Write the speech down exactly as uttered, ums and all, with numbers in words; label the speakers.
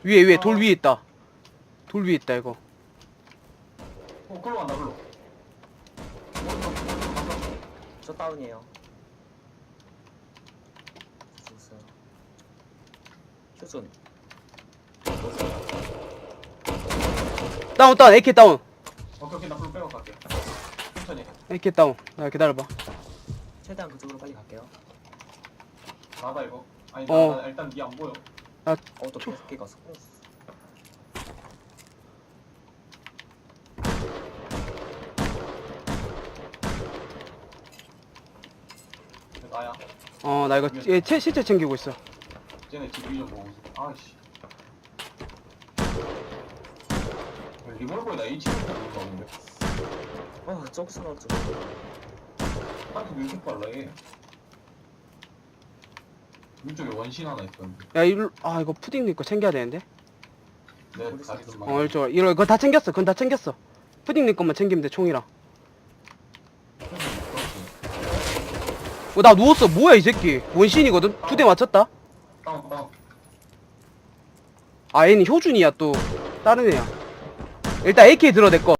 Speaker 1: 위에 위에 돌 위에 있다. 돌 위에 있다 이거.
Speaker 2: 어, 글로 간다, 글로.
Speaker 3: 저 다운이에요. 죽었어요. 휴존.
Speaker 1: 다운 다운 에이케이 다운.
Speaker 2: 오케이, 오케이, 나 글로 빼고 갈게. 천천히.
Speaker 1: 에이케이 다운. 야 기다려봐.
Speaker 3: 최대한 그쪽으로 빨리 갈게요.
Speaker 2: 나다, 이거. 아니,
Speaker 1: 어.
Speaker 2: 나, 나 일단 니 안 보여.
Speaker 3: 어, 또 계속 끼가 서
Speaker 2: 나야.
Speaker 1: 어 나 이거 얘 채, 실제 챙기고 있어.
Speaker 2: 쟤네 집 위 좀 보고 있어. 아이씨. 리볼버에다 H를 보고 있는데.
Speaker 3: 어, 저기서 나왔죠.
Speaker 2: 아니, 왜 이렇게 빨라, 얘? 위쪽에 원신 하나 있었는데.
Speaker 1: 야 이거 아 이거 푸딩 거 챙겨야 되는데.
Speaker 2: 내
Speaker 3: 어디
Speaker 2: 다리
Speaker 3: 있어?
Speaker 2: 좀
Speaker 1: 어 이쪽 이거 그거 다 챙겼어. 그건 다 챙겼어. 푸딩 네 것만 챙기면 돼 총이랑. 어 나 누웠어. 뭐야 이 새끼. 원신이거든. 두 대 맞췄다.
Speaker 2: 다운, 다운.
Speaker 1: 아 얘는 효준이야 또 다른 애야. 일단 에이케이 들어 내 거.